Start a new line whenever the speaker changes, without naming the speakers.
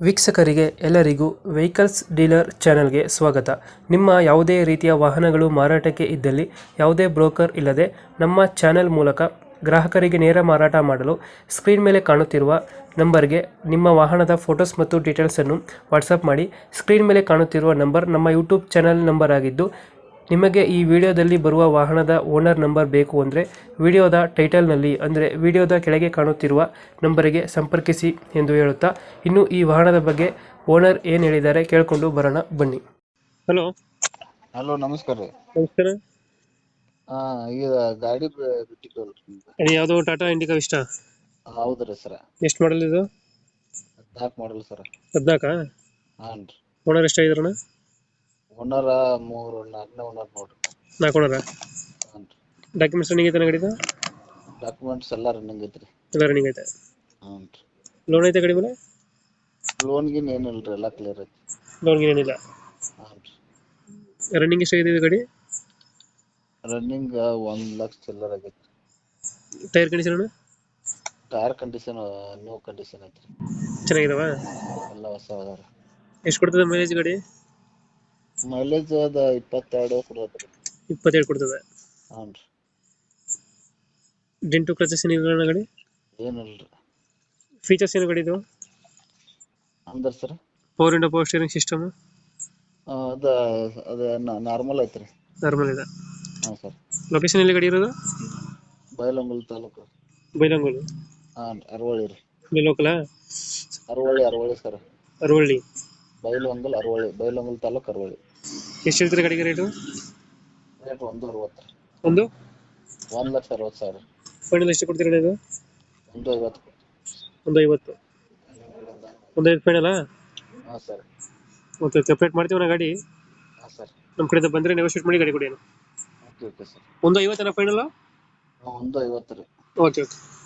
ವೀಕ್ಷಕರಿಗೆ ಎಲ್ಲರಿಗೂ vehicles dealer ಚಾನೆಲ್ಗೆ ಸ್ವಾಗತ. ನಿಮ್ಮ ಯಾವುದೇ ರೀತಿಯ ವಾಹನಗಳು ಮಾರಾಟಕ್ಕೆ ಇದ್ದಲ್ಲಿ ಯಾವುದೇ ಬ್ರೋಕರ್ ಇಲ್ಲದೆ ನಮ್ಮ ಚಾನೆಲ್ ಮೂಲಕ ಗ್ರಾಹಕರಿಗೆ ನೇರ ಮಾರಾಟ ಮಾಡಲು ಸ್ಕ್ರೀನ್ ಮೇಲೆ ಕಾಣುತ್ತಿರುವ ನಂಬರ್ಗೆ ನಿಮ್ಮ ವಾಹನದ ಫೋಟೋಸ್ ಮತ್ತು ಡೀಟೇಲ್ಸನ್ನು ವಾಟ್ಸಪ್ ಮಾಡಿ. ಸ್ಕ್ರೀನ್ ಮೇಲೆ ಕಾಣುತ್ತಿರುವ ನಂಬರ್ ನಮ್ಮ ಯೂಟ್ಯೂಬ್ ಚಾನೆಲ್ ನಂಬರ್ ಆಗಿದ್ದು, ನಿಮಗೆ ಈ ವಿಡಿಯೋದಲ್ಲಿ ಬರುವ ವಾಹನದ ಓನರ್ ನಂಬರ್ ಬೇಕು ಅಂದರೆ ವಿಡಿಯೋದ ಟೈಟಲ್ನಲ್ಲಿ ಅಂದರೆ ವಿಡಿಯೋದ ಕೆಳಗೆ ಕಾಣುತ್ತಿರುವ ನಂಬರಿಗೆ ಸಂಪರ್ಕಿಸಿ ಎಂದು ಹೇಳುತ್ತಾ, ಇನ್ನು ಈ ವಾಹನದ ಬಗ್ಗೆ ಓನರ್ ಏನು ಹೇಳಿದ್ದಾರೆ ಕೇಳಿಕೊಂಡು ಬರೋಣ ಬನ್ನಿ. ಹಲೋ.
ಹಲೋ, ನಮಸ್ಕಾರ ರೀ.
ನಮಸ್ಕಾರ.
ಹಾ, ಈಗ ಗಾಡಿ ಬಿಟ್ಟಿದ್ದಲ್ರಿ ನಿಮ್ದು.
ಅದು ಯಾವುದೋ ಟಾಟಾ ಇಂಡಿಕಾ ಇಷ್ಟ?
ಹೌದ್ರಿ ಸರ.
ಎಷ್ಟು ಮಾಡಲ್ ಇದು?
14 ಮಾಡಲ್ ಸರ.
14?
ಹಾನ್ ರೀ.
ಓನರ್ ಎಷ್ಟಾಗಿದ್ರಣ?
ಓನರ 4ನೇ ಓನರ್ ನೋಡ್ರಿ.
4 ಓನರ?
ಹಾನ್ ರೀ.
ಡಾಕ್ಯುಮೆಂಟ್ಸ್ ರನ್ನಿಂಗ್ ಐತೆ ಗಾಡಿದು?
ಡಾಕ್ಯುಮೆಂಟ್ಸ್ ಎಲ್ಲ ರನ್ನಿಂಗ್ ಐತ್ರಿ.
ಎಲ್ಲ ರನ್ನಿಂಗ್ ಐತೆ?
ಹಾನ್ ರೀ.
ಲೋನ್ ಐತೆ ಗಾಡಿ ಮೇಲೆ?
ಲೋನ್ ಗಿನ್ ಏನಿಲ್ರಿ, ಎಲ್ಲ ಕ್ಲಿಯರ್ ಐತಿ.
ಲೋನ್ ಏನಿಲ್ಲ?
ಹಾನ್ ರೀ.
ರನ್ನಿಂಗ್ ಎಷ್ಟಾಗಿದೆ ಇದು ಗಾಡಿ?
ರನ್ನಿಂಗ್ 1 ಲಕ್ಷ ಚಿಲ್ಲರ್ ಆಗೈತಿ.
Tyre condition?
Tyre condition new condition ಐತ್ರಿ.
ಚೆನ್ನಾಗಿದಾವ?
ಎಲ್ಲ ಹೊಸ ಅದಾವ.
ಎಷ್ಟು ಕೊಡ್ತದೆ ಮೈಲೇಜ್ ಗಾಡಿ?
ಮೈಲೇಜ್ ಅದ 22 ಕೊಡತ್ರಿ.
27 ಕೊಡ್ತದೆ?
ಹಾನ್ ರೀ.
ಡೆಂಟು ಕ್ರಚಸ್ ಏನಿಲ್ಲ ಗಾಡಿ?
ಏನಿಲ್ರಿ.
ಫೀಚರ್ಸ್ ಏನು ಗಾಡಿ ಇದು?
ಅಂದ್ರ ಸರ್,
ಪವರ್ ಸ್ಟೀರಿಂಗ್ ಸಿಸ್ಟಮ್?
ಅದ ಅದ ನಾರ್ಮಲ್ ಐತ್ರಿ.
ನಾರ್ಮಲ್ ಇದೆ?
ಹಾಂ ಸರ್.
ಲೊಕೇಶನ್ ಎಲ್ಲಿ ಗಾಡಿ ಇರೋದು?
ಬೈಲಹೊಂಗಲ ತಾಲೂಕು.
ಬೈಲಹೊಂಗಲ?
ಹಾಂ, ಅರವಳ್ಳಿ ರೀ.
ಇಲ್ಲಿ ಲೋಕಲ?
ಅರವಳ್ಳಿ ಸರ್.
ಅರವಳ್ಳಿ?
ಬೈಲಹೊಂಗಲ ಅರವಳ್ಳಿ, ಬೈಲಹೊಂಗಲ ತಾಲೂಕು ಅರವಳ್ಳಿ.
ಎಷ್ಟು ಹೇಳ್ತೀರಿ ಗಾಡಿಗೆ ರೇಟು?
ರೇಟ್ 1.60 ರೀ.
ಒಂದು
1,60,000.
ಫೈನಲ್ ಎಷ್ಟು ಕೊಡ್ತೀರಾ ಇದು?
1.50.
1.50? 1.5 ಫೈನಲಾ?
ಹಾಂ ಸರ್.
ಓಕೆ, ಸಪ್ರೇಟ್ ಮಾಡ್ತೀವಿ ನಾ ಗಾಡಿ.
ಹಾಂ ಸರ್.
ನಮ್ಮ ಕಡೆಯಿಂದ ಬಂದರೆ ನೆಗೋಷಿಯೇಟ್ ಮಾಡಿ ಗಾಡಿ ಕೊಡಿ.
Okay sir.
1.50 ಫೈನಲ್?
ಹಾಂ, 1.50 ರೀ.
Okay okay.